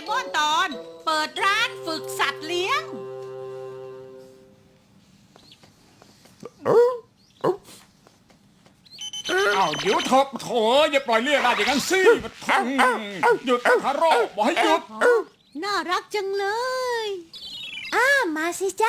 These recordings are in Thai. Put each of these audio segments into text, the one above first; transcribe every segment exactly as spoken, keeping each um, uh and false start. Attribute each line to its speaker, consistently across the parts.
Speaker 1: มอนตอนเปิดร้านฝึกสัตว์เลี้ยง
Speaker 2: อ้าวเดี๋ยวเถอะโถอย่าปล่อยเรียกได้อย่างนั้นสิมาทังหยุดคาร์โร่บอกให้หยุด
Speaker 3: น่ารักจังเลย
Speaker 4: อ้ามาสิจ๊ะ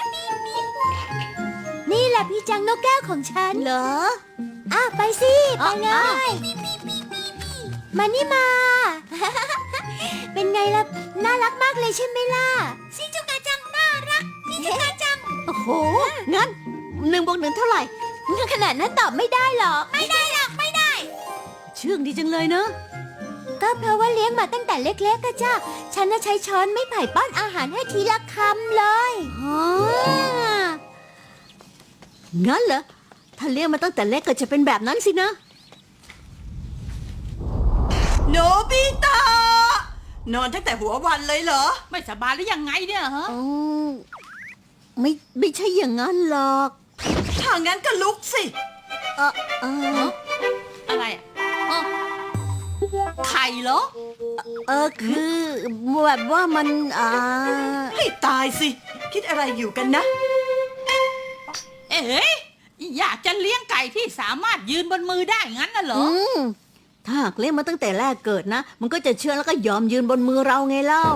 Speaker 4: นี่แหละพี่จังนกแก้วของฉัน
Speaker 3: เหรอ
Speaker 4: อ้าไปสิไปเล
Speaker 3: อ้าว
Speaker 4: ยมานี่มา เป็นไงล่ะน่ารักมากเลยใช่ไหมล่ะซิจุกาจังน่ารักซิจุกาจัง
Speaker 3: โอ้โห งั้นหนึ่งบวกหนึ่งเท่าไหร่
Speaker 4: ขนาดนั้นตอบไม่ได้หรอกไม่ได้หรอกไม่ได้
Speaker 3: เชื่องดีจังเลยเนอะ
Speaker 4: ก็เพราะว่าเลี้ยงมาตั้งแต่เล็กๆก็จ้าฉันน่ะใช้ช้อนไม่ไผ่ป้อนอาหารให้ทีละคำเลย
Speaker 3: อ๋องั้นเหรอ ถ้าเลี้ยงมาตั้งแต่เล็กก็จะเป็นแบบนั้นสินะ
Speaker 5: โนบิตะนอนตั้งแต่หัววันเลยเหรอ
Speaker 1: ไม่สบายหรือยังไงเนี่ยฮะ
Speaker 3: อ๋อ ไม่ไม่ใช่อย่างนั้นหรอก
Speaker 5: ถ้างั้นก็ลุกสิ
Speaker 3: เออเออ
Speaker 1: อะไรอ่ะเอ้าไข่เหรอ
Speaker 3: เออคือแบบว่ามันอ่า
Speaker 5: ให้ตายสิ คิดอะไรอยู่กันนะ
Speaker 1: เอ๋อยากจะเลี้ยงไก่ที่สามารถยืนบนมือได้งั้นน่ะเหรอ
Speaker 3: อืมถ้าหากเลี้ยงมาตั้งแต่แรกเกิดนะ มันก็จะเชื่องแล้วก็ยอมยืนบนมือเราไงเล่า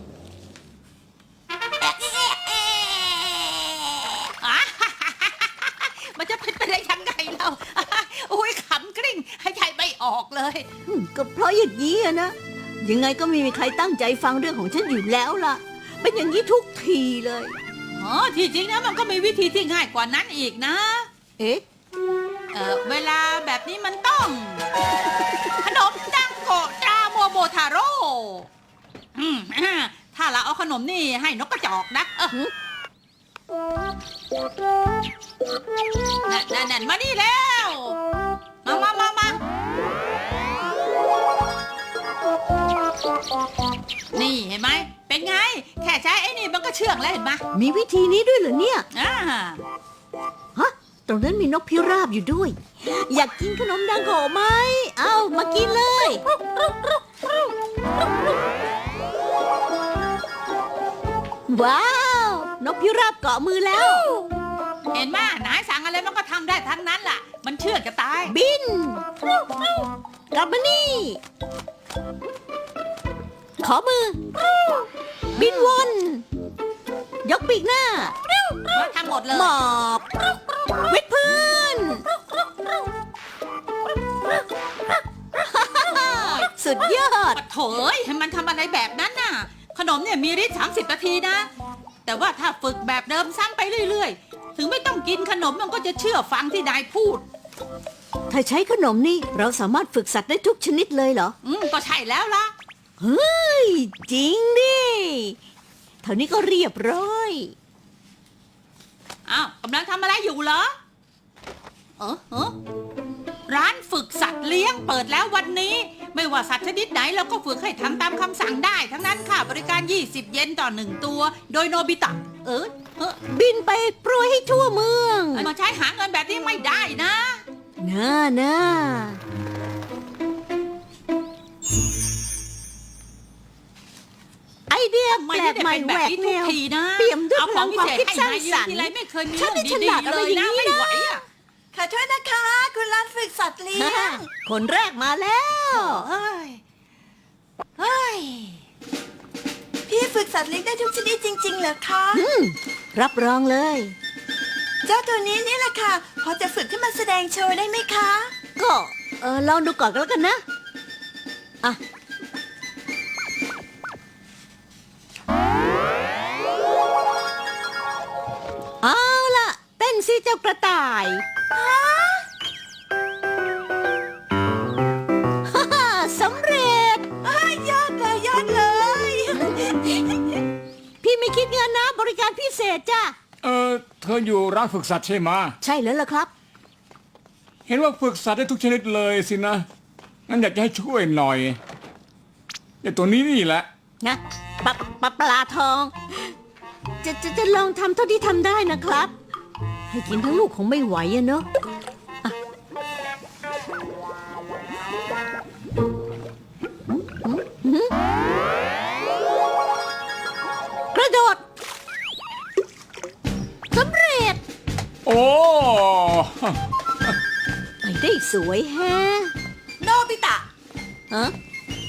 Speaker 1: มันจะเป็นไปได้ยังไงเราโอ้ยขำกริ้งให้ใจไม่ออกเลย
Speaker 3: อืมก็เพราะอย่างนี้อะนะ ยังไงก็ไม่มีใครตั้งใจฟังเรื่องของฉันอยู่แล้วล่ะ เป็นอย่างนี้ทุกทีเลย
Speaker 1: อ๋อที่จริงนะมันก็มีวิธีที่ง่ายกว่านั้นอีกนะ
Speaker 3: เอ๊ะ
Speaker 1: เออเวลาแบบนี้มันต้อง ขนมดังโกะตราโมโมทาโร่อืมอ่าถ้าเราเอาขนมนี่ให้นกกระจอกนะเออนั่นนั่นนั่นมานี่แล้ว มามามามานี่เห็นไหมเป็นไง แค่ใช้ไอ้นี่มันก็เชื่องแล้วเห็นไหม
Speaker 3: มีวิธีนี้ด้วยเหรอเนี่ย
Speaker 1: อ่า
Speaker 3: ฮะ ตรงนั้นมีนกพิราบอยู่ด้วย อยากกินขนมดังโกะไหม เอามากินเลย ว้าว นกพิราบเกาะมือแล้ว
Speaker 1: เห็นไหมนายสั่งอะไรมันก็ทำได้ทั้งนั้นล่ะ มันเชื่องจะตาย
Speaker 3: บิน กลับมานี่ ขอมือ บินวน ยกปีกหน้า
Speaker 1: มาทำหมดเลย
Speaker 3: หมอบ วิดพื้น สุดยอด
Speaker 1: ปะโถยให้มันทำอะไรแบบนั้นน่ะ ขนมเนี่ยมีฤทธิ์สามสิบนาทีนะ แต่ว่าถ้าฝึกแบบเดิมซ้ำไปเรื่อยๆ ถึงไม่ต้องกินขนมมันก็จะเชื่อฟังที่นายพูด
Speaker 3: ถ้าใช้ขนมนี่เราสามารถฝึกสัตว์ได้ทุกชนิดเลยเหรอ
Speaker 1: อืมก็ใช่แล้วล่ะ
Speaker 3: เฮ้ย จริงดิเท่านี้ก็เรียบร้อย
Speaker 1: อ้าวกำลังทำอะไรอยู่เหรอ เออเออร้านฝึกสัตว์เลี้ยงเปิดแล้ววันนี้ ไม่ว่าสัตว์ชนิดไหนเราก็ฝึกให้ทำตามคำสั่งได้ ทั้งนั้นค่าบริการยี่สิบเยนต่อหนึ่งตัว โดยโนบิตะ เออเออ
Speaker 3: บินไปโปรยให้ทั่วเมือง
Speaker 1: มาใช้หาเงินแบบนี้ไม่ได้นะ
Speaker 3: น่าน่าไอเดีย
Speaker 1: ทำไม
Speaker 3: แปล
Speaker 1: ไม่
Speaker 3: ก
Speaker 1: ได้
Speaker 3: ใหม่
Speaker 1: เป็น
Speaker 3: แห
Speaker 1: แบ
Speaker 3: ว
Speaker 1: บ
Speaker 3: ก
Speaker 1: นี้
Speaker 3: แน
Speaker 1: ทุก
Speaker 3: ว
Speaker 1: ทีนะ
Speaker 3: เปี่ยมด้วย
Speaker 1: เอา
Speaker 3: พ
Speaker 1: ข
Speaker 3: ลั
Speaker 1: อง
Speaker 3: ง
Speaker 1: พิ
Speaker 3: ความ
Speaker 1: เศษ
Speaker 3: คิด
Speaker 1: ให้
Speaker 3: สร้าง
Speaker 1: นายยื
Speaker 3: ส
Speaker 1: ม
Speaker 3: รร
Speaker 1: ที
Speaker 3: ค์
Speaker 1: ไรไม่เคยมี
Speaker 3: ฉัน
Speaker 1: เรื่อง
Speaker 3: นี่ฉ
Speaker 1: ดี
Speaker 3: ลาด
Speaker 1: ๆ
Speaker 3: อะไร
Speaker 1: เลย
Speaker 3: อย่าง
Speaker 1: นะ
Speaker 3: นี้
Speaker 1: ไม่
Speaker 3: นะ
Speaker 1: ไหวอ่ะ
Speaker 5: ขอโทษนะคะ คุณร้านฝึกสัตว์เลี้ยง
Speaker 3: คนแรกมาแล้ว
Speaker 1: เฮ้ยเฮ้ย
Speaker 5: พี่ฝึกสัตว์เลี้ยงได้ทุกชนิดจริงๆเหรอคะ
Speaker 3: อืม รับรองเลย
Speaker 5: เจ้าตัวนี้นี่แหละค่ะ พอจะฝึกขึ้นมาแสดงโชว์ได้ไหมคะ
Speaker 3: ก็เออลองดูก่อนก็แล้วกันนะ อ่ะ เอาล่ะ เต้นสิเจ้ากระต่าย ฮ่าฮ่าสำเร็จ
Speaker 5: ยอดเลยยอดเลย
Speaker 3: พี่ไม่คิดเงินนะ บริการพิเศษจ้ะ
Speaker 2: เออเธออยู่ร้านฝึกสัตว์ใช่ไหม
Speaker 3: ใช่แล้วล่ะครับ
Speaker 2: เห็นว่าฝึกสัตว์ได้ทุกชนิดเลยสินะ งั้นอยากจะให้ช่วยหน่อยไอ้ตัวนี้นี่แหละ
Speaker 3: นะปลาปลาปลาทอง จะจะจะลองทำเท่าที่ทำได้นะครับ ให้กินทั้งลูกคงไม่ไหวอะเนอะอ่ะอืมอืมไปได้สวยแฮะ
Speaker 5: โนบิตะ
Speaker 3: ฮะ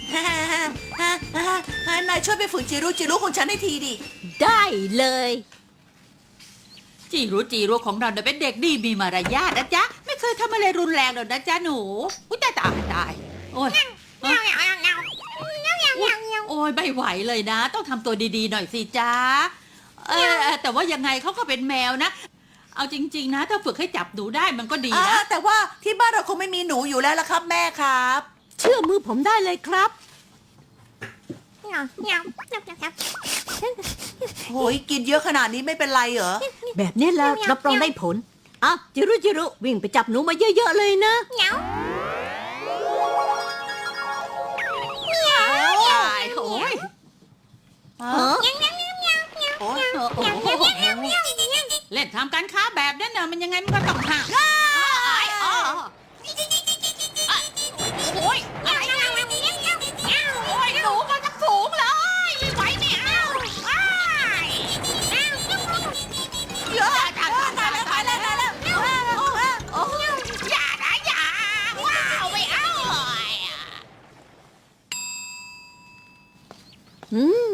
Speaker 5: นายช่วยไปฝึกจิรุจิรุของฉันให้ทีดิ
Speaker 3: ได้เลย
Speaker 1: จีรู้จีรู้ของเราเนี่ยเป็นเด็กดีมีมารยาทนะจ๊ะ ไม่เคยทำอะไรรุนแรงหรอกนะจ๊ะหนูอุ้ยตายตายตายโอ้ยเอ้ยโอ้ยไม่ไหวเลยนะ ต้องทำตัวดีๆหน่อยสิจ๊ะเออแต่ว่ายังไงเขาก็เป็นแมวนะ เอาจริง ๆ นะ ถ้าฝึกให้จับหนูได้มันก็ดี
Speaker 5: อ่า
Speaker 1: นะ
Speaker 5: แต่ว่าที่บ้านเราคงไม่มีหนูอยู่แล้วละครับแม่ครับ
Speaker 3: เชื่อมือผมได้เลยครับ
Speaker 5: โอ้ยกินเยอะขนาดนี้ไม่เป็นไรเหรอ
Speaker 3: แบบนี้แล้วรับรองได้ผลอ่ะจิรุจิรุวิ่งไปจับหนูมาเยอะๆเลยนะ
Speaker 1: ตายโอ้ย
Speaker 3: ฮะ
Speaker 1: โอ้ยโอ้ยเล่นทำการค้าแบบนั้นน่ะมันยังไงมันก็ต้องห่างไอ้อ๋อโอ้ยโอ้ยหนูมาจากสูงเลยไม่ไหวไม่เอาเยอะจังตายแล้วตายแล้วตายแล้วอย่านะอย่าว้าวไม่เอา
Speaker 3: อืม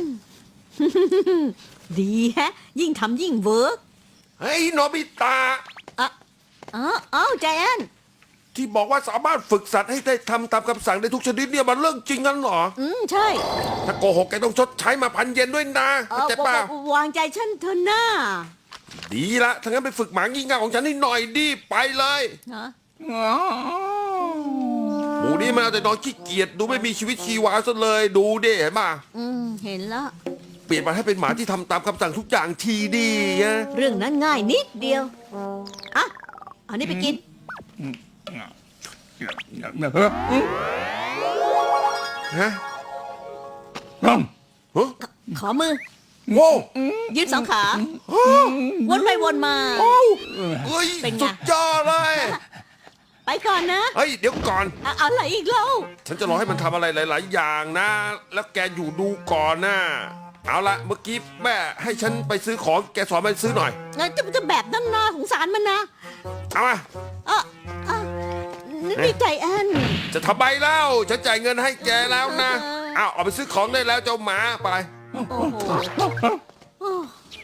Speaker 3: ดีแฮะ ยิ่งทำยิ่งเวิร์ก
Speaker 6: เฮ้ยโนบิตะ
Speaker 3: อ่ะอ๋ออ้าวใจแอน
Speaker 6: ที่บอกว่าสามารถฝึกสัตว์ให้ได้ทำตามคำสั่งได้ทุกชนิดเนี่ยมันเรื่องจริงงั้นเหรอ
Speaker 3: อืม ใช่
Speaker 6: ถ้าโกหกแกต้องชดใช้มาพันเยนด้วยนะ
Speaker 3: เอ
Speaker 6: เข้า
Speaker 3: อ
Speaker 6: ใจป่ะ
Speaker 3: ววางใจฉันเถอะหน้า
Speaker 6: ดีละถ้างั้นไปฝึกหมางี่เง่าของฉันให้หน่อยดิไปเลย
Speaker 3: ฮะ
Speaker 6: หมูนี่มันเอาแต่นอนขี้เกียจดูไม่มีชีวิตชีวาซะเลยดูดิเห็นป่ะ
Speaker 3: อืม เห็นแล้ว
Speaker 6: เปลี่ยนมาให้เป็นหมาที่ทำตามคำสั่งทุกอย่างทีดีนะ
Speaker 3: เรื่องนั้นง่ายนิดเดียว อ่ะเอานี่ไปกิน
Speaker 6: ฮะ
Speaker 2: ร่อง
Speaker 6: ฮะ
Speaker 3: ขอมือ
Speaker 6: โว้
Speaker 3: ยืดสองขา วนไปวนมา
Speaker 6: เฮ้ย
Speaker 3: เป็นไง
Speaker 6: สุดยอดเลย
Speaker 3: ไปก่อนนะ
Speaker 6: เฮ้ยเดี๋ยวก่อน
Speaker 3: เอาเอาอะไรอีกเล่า
Speaker 6: ฉันจะรอให้มันทำอะไรหลาย ๆ อย่างนะ แล้วแกอยู่ดูก่อนนะ เอาละเมื่อกี้แม่ให้ฉันไปซื้อของแกสอนมันซื้อหน่อย
Speaker 3: เอ้ยจะจะแบบนั้นนะสงสารมันนะ
Speaker 6: เอามา
Speaker 3: เอ่ะอ่ะนี่นี่ใจแอน
Speaker 6: จะทำไมเล่าฉันจ่ายเงินให้แกแล้วนะ
Speaker 3: เออ
Speaker 6: เอาเอาไปซื้อของได้แล้วเจ้าหมาไป
Speaker 3: โอ้โหโอ้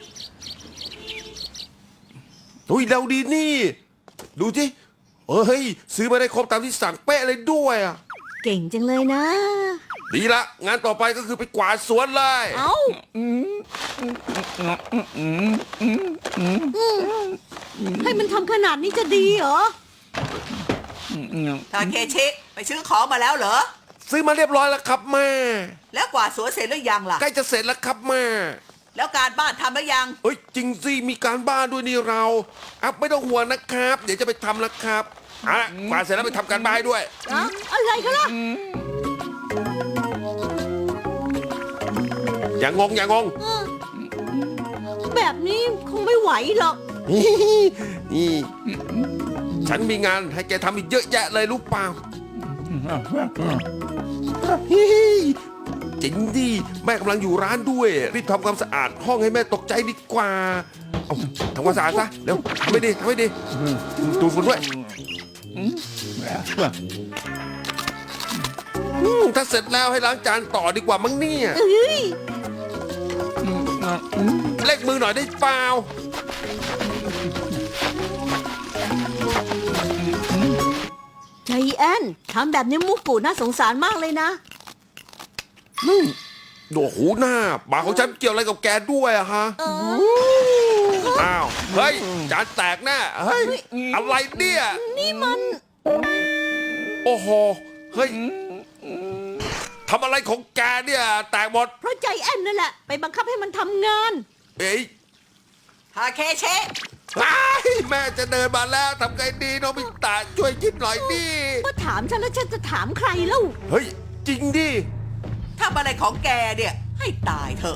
Speaker 6: อุ้ยเร็วดีนี่ ดูที่เฮ้ยซื้อมาได้ครบตามที่สั่งเป๊ะเลยด้วยอ่ะ
Speaker 3: เก่งจังเลยนะ
Speaker 6: ดีละงานต่อไปก็คือไปกวาดสวนเลย
Speaker 3: เอ้าให้มันทำขนาดนี้จะดีเหรอ
Speaker 5: ทาเคชิไปซื้อของมาแล้วเหรอ
Speaker 6: ซื้อมาเรียบร้อยแล้วครับแม่
Speaker 5: แล้วกวาดสวนเสร็จหรือยังล่ะ
Speaker 6: ใกล้จะเสร็จแล้วครับแม่
Speaker 5: แล้วการบ้านทำหรือยัง
Speaker 6: เอ้ยจริงสิมีการบ้านด้วยนี่เราอัพไม่ต้องห่วงนะครับ เดี๋ยวจะไปทำแล้วครับเอาละกวาดเสร็จแล้วไปทำการบ้านให้ด้วย
Speaker 3: อะอะไรกันล่ะ
Speaker 6: อย่างงงอย่างงง
Speaker 3: เออแบบนี้คงไม่ไหวหรอก
Speaker 6: นี่ฉันมีงานให้แกทำอีกเยอะแยะเลยรู้เปล่าจริงดิแม่กำลังอยู่ร้านด้วย รีบทำความสะอาดห้องให้แม่ตกใจดีกว่าเอาทำความสะอาดซะเร็วทำให้ดีทำให้ดีดูดฝุ่นด้วยอืมถ้าเสร็จแล้วให้ล้างจานต่อดีกว่ามั้งเนี่ย
Speaker 3: เอ้ย
Speaker 6: เล็กมือหน่อยได้เปล่า
Speaker 3: ใจแอนทำแบบนี้มุกปูน่าสงสารมากเลยนะ
Speaker 6: โอ้โหหน้าหมาของฉันเกี่ยวอะไรกับแกด้วยอะฮะ
Speaker 3: เออ
Speaker 6: อ้าว เฮ้ย จานแตกแน่เฮ้ย อะไรเนี่ย
Speaker 3: นี่มัน
Speaker 6: โอ้โห เฮ้ย ทำอะไรของแกเนี่ย แตกหมด
Speaker 3: เพราะใจแอนนั่นแหละ ไปบังคับให้มันทำงาน
Speaker 6: เอ้ย
Speaker 5: ทาเคชิ
Speaker 6: อ้ายแม่จะเดินมาแล้วทำไงดีโนบิตะช่วยคิดหน่อยดิ
Speaker 3: ก็ถามฉันแล้วฉันจะถามใครเล่า
Speaker 6: เฮ้ย จริงดิ
Speaker 5: ทำอะไรของแกเนี่ย ให้ตายเถอะ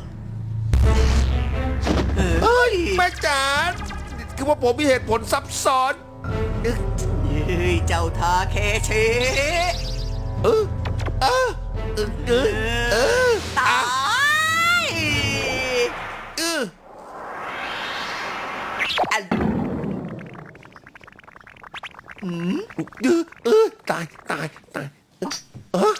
Speaker 5: เอ
Speaker 6: เฮ้
Speaker 5: ้
Speaker 6: ย
Speaker 5: ย
Speaker 6: แม่จ๋าคือว่าผมมีเหตุผลซับซ้อน
Speaker 5: เฮ้ยเจ้าทาเคชิ
Speaker 6: เออเออเออเออเออ
Speaker 5: ตาย
Speaker 6: เออ
Speaker 5: อัน
Speaker 6: เออเออตายตายตายเออ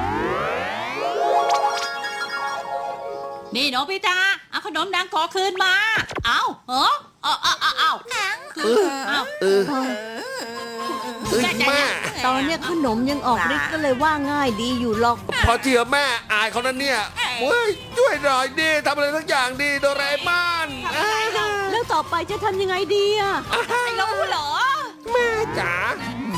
Speaker 1: นี่โนบิตะเอาขนมดังขอคืนมา เอาเหรอเอาเอาเอาเอา
Speaker 6: เออ
Speaker 1: เอา
Speaker 6: เออเอ้ยแม่
Speaker 3: ตอนเนี้ยขนมยังออกฤทธิ์ก็เลยว่าง่ายดีอยู่หรอก
Speaker 6: พอเชื่อแม่อายเขานั้นเนี่ยเฮ้ยช่วยหน่อยดิทำอะไรสักอย่างดิโดราเอมอน
Speaker 3: แล้วต่อไปจะทำยังไงดีอะ
Speaker 1: ไม่รู้เหรอ
Speaker 6: แม่จ๋า
Speaker 3: อ